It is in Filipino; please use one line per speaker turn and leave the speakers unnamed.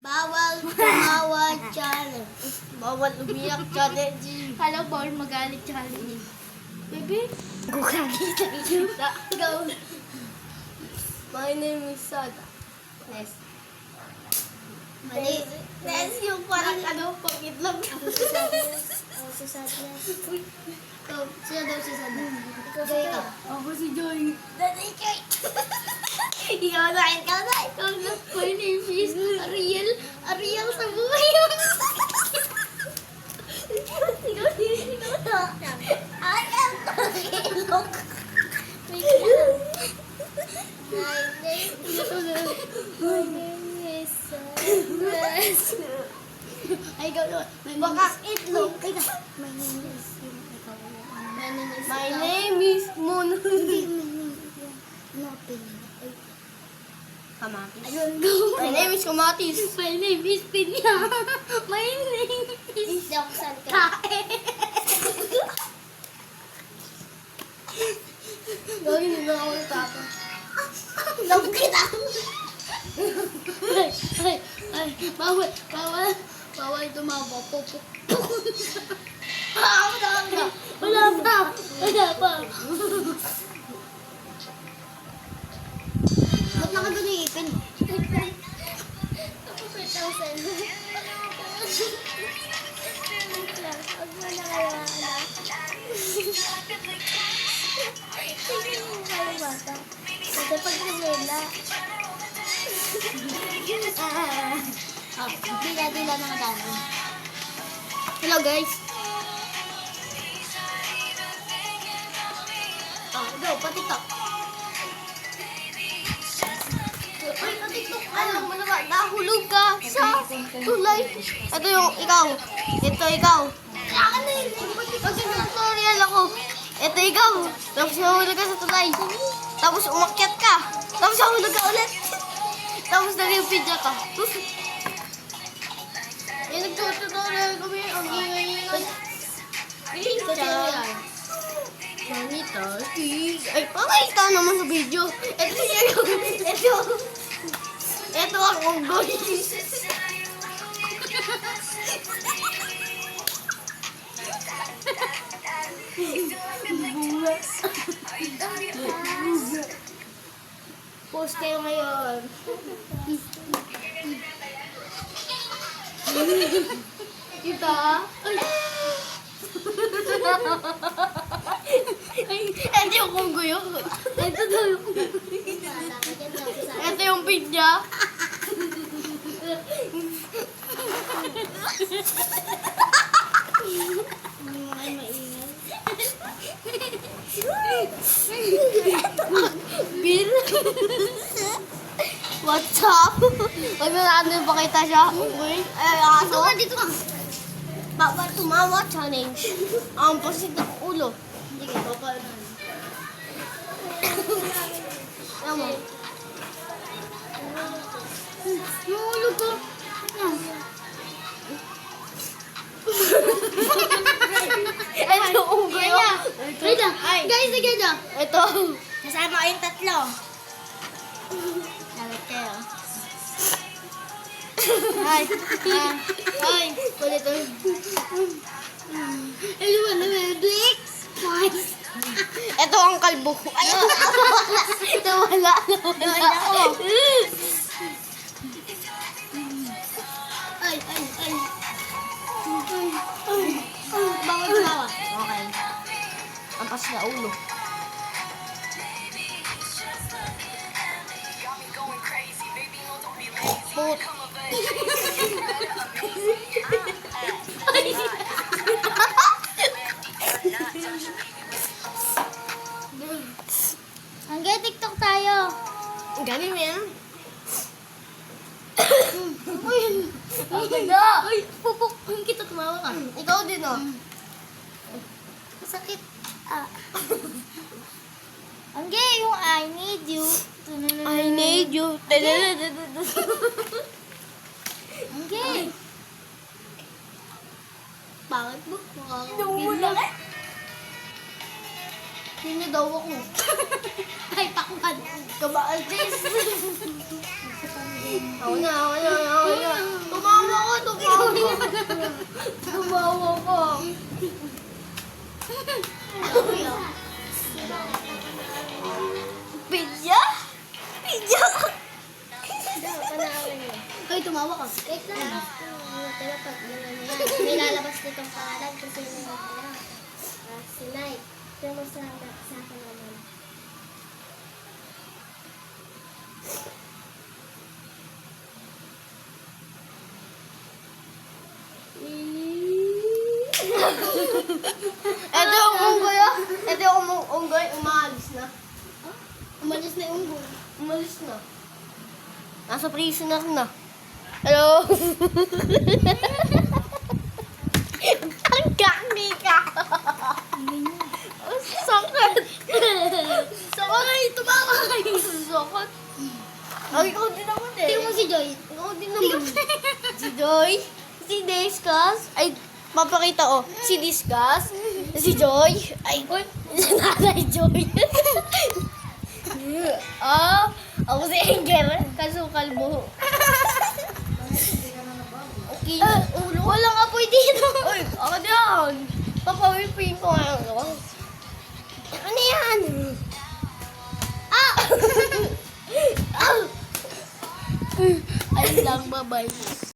Bawal tumawa challenge.
Bawal umiyak challenge.
Hello, bawal magalit challenge. Baby?
Gukagita. Go. My name is Sada.
Yes. Mali.
Nes yung parang pag-itlog.
Uy. Ikaw, sino daw si Sada? Ikaw.
Ako si Joy.
Dati kay. Ikaw na. My name is Ariel. Ariel sa buhay. Ikaw na. I am Pakilok. My name is Ay, ikaw naman.
Baka itlog.
My name is ikaw.
My name is Moon.
Nothing.
Kamatis.
Ayun, go.
My name is Kamatis.
My name is Pinya. My name is Doksan Kae.
Gawin mo ako ng tapa.
Love kita. Ay, bawal. Bawal tumawa. Wala pa. Ba't nakagano yung ipin? Ako 4,000. Huwag mo na kaya, anak. Hindi mo kayo bata. Ito pag nila. Dila na madami. Hello guys. Go, patiktok. Ay, patiktok.
Alam mo naman, nahulog ka sa tulay. Ito yung ikaw. Ito ikaw.
Ano yun?
Mag-tutorial ako. Ito ikaw. Tapos nahulog ka sa tulay. Tapos umakyat ka. Tapos nahulog ka ulit. Tapos nag-video ka. Eh, nag-tutorial kami. Ang ingay-ingay.
Tutorial.
Manita, please. Ay, pakita naman sa video. Ito yung... Ito ang unggoy. Post kayo ngayon. Kita? Ay, ito yung unggoy. Ito daw yung unggoy. Ito yung pinya.
Ay, maingay.
Bill? What's up? Huwag na natin pakita siya. Unggoy. Ay, aso.
Dito ka.
Bawal tumawa challenge. Ang pasit ng ulo.
Sige, bawal na.
Tama.
Yung ulo ko.
Ito yung unggoy.
Wait lang. Guys, again na.
Ito.
Kasama kayong tatlo. Dapat kayo.
Ay. Ay. Kulit ito.
Ay, di ba na Netflix? Twice.
Ito ang kalbo. Ay, nawala.
Ay. Bawal tumawa.
Okay. Ang pas na ulo. Put.
Hanggang TikTok tayo.
Galing mo yan.
Ay, pupuk. Kita tumawa ka.
Ikaw din, oh.
Masakit. Hanggang yung I need you.
I need you.
Hanggang.
Bakit mo?
Nawala ka.
Sino daw ako?
Ay, pakman.
Kabaan, sis. Ako na. tumawa ka. Pidya? Pidya?
Hoy, tumawa ka. Wait lang. Dapat, may lalabas ditong pangalan kasi si Nike. Pero mo sa akin naman.
Ito yung unggoy, ah. Ito yung unggoy, umaalis na.
Umalis na yung unggoy.
Umalis na. Nasa prisoner na. Hello? Ang gami ka. Ang sakit. Sakit. Tumawa kayo. Sakit. Ay, ikaw din naman eh.
Tingnan mo si Joy.
Ikaw din naman. Si Joy. Si Discuss. Ay, mapakita oh. Si Discuss. Si Joy. Ay, si Nanay Joy. Ako si Inger. Kasukal mo. Okay.
Ulo. Walang apoy dito.
Uy, ako diyan. Papawipin ko ngayon. Ano yan?
Ah!
Ay lang, bye-bye.